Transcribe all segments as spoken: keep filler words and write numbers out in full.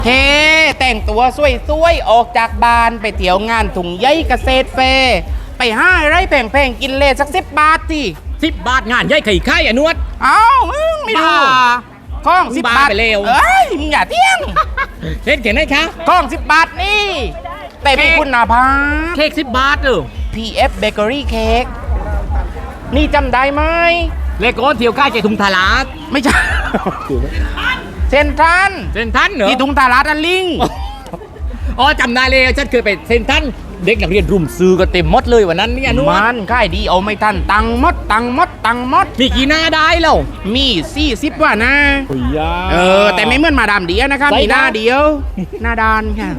เฮ้แต่งตัวสวยๆออกจากบ้านไปเที่ยวงานถุงใยเกษตรเฟร์ไปห้าไร่แพงๆกินเลสักสิบบาทที่สิบบาทงานย่อยไข่ไข่อะนวดเอ้ามึงไม่รู้บ้าข้องสิบบาทบ้าไปเร็วเอ้ยมึงอย่าเที่ยงเล่นเขียนได้คะข้องสิบบาทนี่ แต่มีคุณภาพเค้กสิบบาทเออพี เอฟ Bakery Cake นี่จำได้ไหมเลโก้เที่ยวค่ายใจถุงทาราดไม่ใช่ เซนทรันเซนทันเหรอที่ถุงตาลาดอันลิงอ๋อจำได้เลยฉันเคยไปเซนทันเด็กนักเรียนรุมซื้อก็เต็มหมดเลยวันนั้นเนี่ยนวดมันค่ายดีเอาไม่ทันตังมดตังมดตังมดมีกี่หน้าได้แล้วมีสี่สิบว่านะโอ้ยาเออ แต่ไม่เหมือนมาดามเดียนะครับใส่มีหน้านะเดียว หน้าดานค่ะ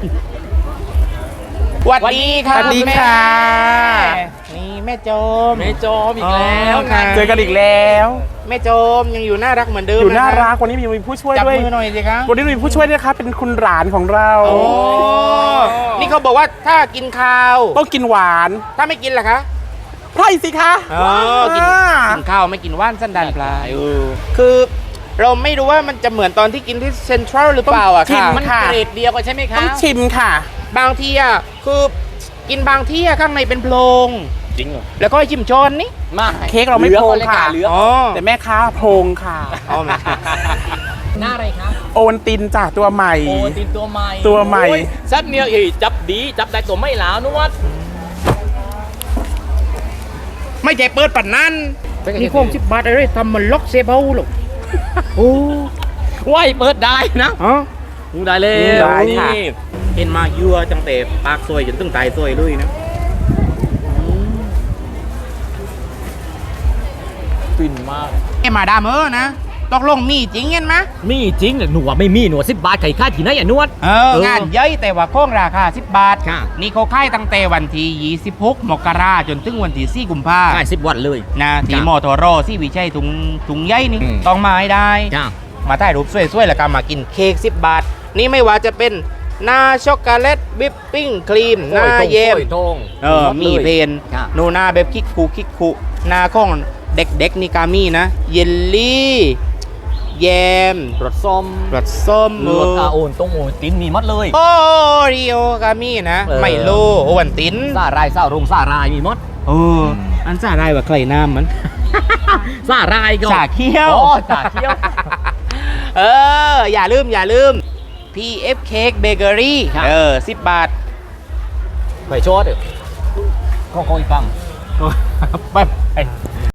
สวัสดีครับสวัสดีค่ะแม่นี่แม่โจมแม่จอมอีกแล้วอ๋อค่ะเจอกันอีกแล้วแม่โจมยังอยู่น่ารักเหมือนเดิมอยู่น่าะคบรักวันนี้มีผู้ช่วยจับด้วยมือหน่อยสิครับวันนี้มีผู้ช่วยด้วยนะคะเป็นคุณหลานของเราโอ้นี่เขาบอกว่าถ้ากินข้าวต้องกินหวานถ้าไม่กินล่ะคะไพร่สิคะเออกินอ่ากินข้าวไม่กินว่านสั้นดันปลายเออคือเราไม่รู้ว่ามันจะเหมือนตอนที่กินที่เซ็นทรัลหรือเปล่าอะค่ะมันเกรดเดียวกันใช่ไหมคะต้องชิมค่ะบางทีอะคือกินบางที่อะข้างในเป็นโพรงจริงเหรอแล้วก็จิ้มช้อนนี่มาเค้กเราไม่โพรงค่ะเหลืออ๋อแต่แม่ค้าโพรงค่ะเอามาหน้าอะไรคะโอนตินจ้ะตัวใหม่โอ้ตินตัวใหม่ตัวใหม่โอ้ยซัดเนี่ยอีจับดีจับได้ตัวไม่หลาวนวดไม่ใช่เปิดปันนั้นเป็นไงนี่โค้งสิบบาทอะไรทำมันล็อกเซเบลหรอกโอ้ว้ายเปิดได้นะฮะได้เลยได้ค่ะนี่เห็นมายั่วจังแต่ปากซวยจนตึงตายซวยเลยนะฟินมากไอ้มาดามเออนะตกลงมีจริงเห็นไหมมีจริงเหรอหนูว่าไม่มีหนูสิบบาทไข่ค่าที่ไหนอ่ะนวดเอองานเย้ยแต่ว่าโค้งราคาสิบบาทค่ะนี่เขาค่ายตั้งแต่วันที่ยี่สิบหกมกราจนถึงวันที่สี่กุมภาใช่สิบวันเลยนะที่จ้ะมอทอรอที่วิชัยถุงถุงใยนี่อืมต้องมาให้ได้จ้ามาถ่ายรูปสวยๆ แล้วก็มากินเค้กสิบบาท นี่ไม่ว่าจะเป็นหน้าช็อกโกแลตวิปปิ้งครีมหน้าเยมทงเออมีเพนค่ะโนหน้าแบบคิกคูคิกคูหน้าของเด็กๆนี่กามีนะ เยลลี่แยมรสส้มรสส้มรสอาโอนตรงโอนตินมีหมัดเลยโอริโอกามีนะเออไมโลโอวันตินซารายซารงซารายมีหมัดเอออันซ่าได้ว่าใครน้ำมันซารายก็ชาเคี้ยวอ๋อชาเคี้ยวเออ อย่าลืม อย่าลืม พี เอฟ Cake Bakery ครับเออสิบบาทไปโชดเดี๋ยวของของอีกฝั่งไป